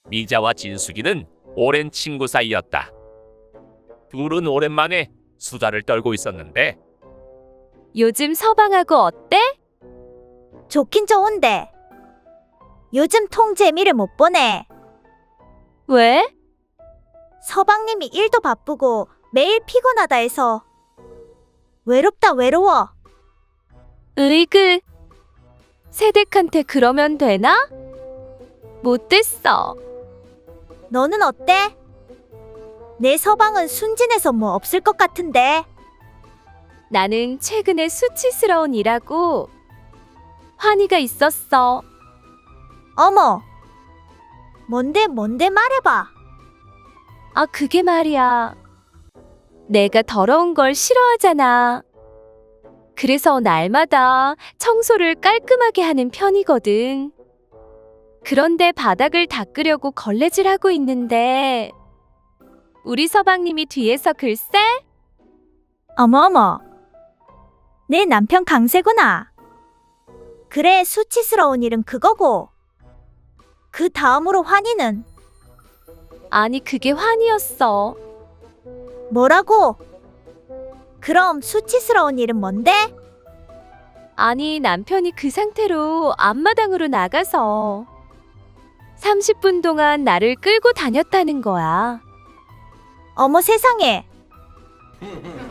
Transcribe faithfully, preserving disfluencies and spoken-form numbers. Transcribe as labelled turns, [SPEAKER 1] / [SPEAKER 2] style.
[SPEAKER 1] 미자와 진숙이는 오랜 친구 사이였다. 둘은 오랜만에 수다를 떨고 있었는데
[SPEAKER 2] 요즘 서방하고 어때?
[SPEAKER 3] 좋긴 좋은데 요즘 통 재미를 못 보네.
[SPEAKER 2] 왜?
[SPEAKER 3] 서방님이 일도 바쁘고 매일 피곤하다 해서 외롭다 외로워.
[SPEAKER 2] 으이그. 새댁한테 그러면 되나? 못됐어.
[SPEAKER 3] 너는 어때? 내 서방은 순진해서 뭐 없을 것 같은데.
[SPEAKER 2] 나는 최근에 수치스러운 일하고 환희가 있었어.
[SPEAKER 3] 어머, 뭔데 뭔데 말해봐.
[SPEAKER 2] 아, 그게 말이야. 내가 더러운 걸 싫어하잖아. 그래서 날마다 청소를 깔끔하게 하는 편이거든. 그런데 바닥을 닦으려고 걸레질하고 있는데 우리 서방님이 뒤에서 글쎄?
[SPEAKER 3] 어머 어머, 내 남편 강세구나. 그래, 수치스러운 일은 그거고 그 다음으로 환희는
[SPEAKER 2] 아니, 그게 환희였어.
[SPEAKER 3] 뭐라고? 그럼 수치스러운 일은 뭔데?
[SPEAKER 2] 아니, 남편이 그 상태로 앞마당으로 나가서 삼십 분 동안 나를 끌고 다녔다는 거야.
[SPEAKER 3] 어머 세상에,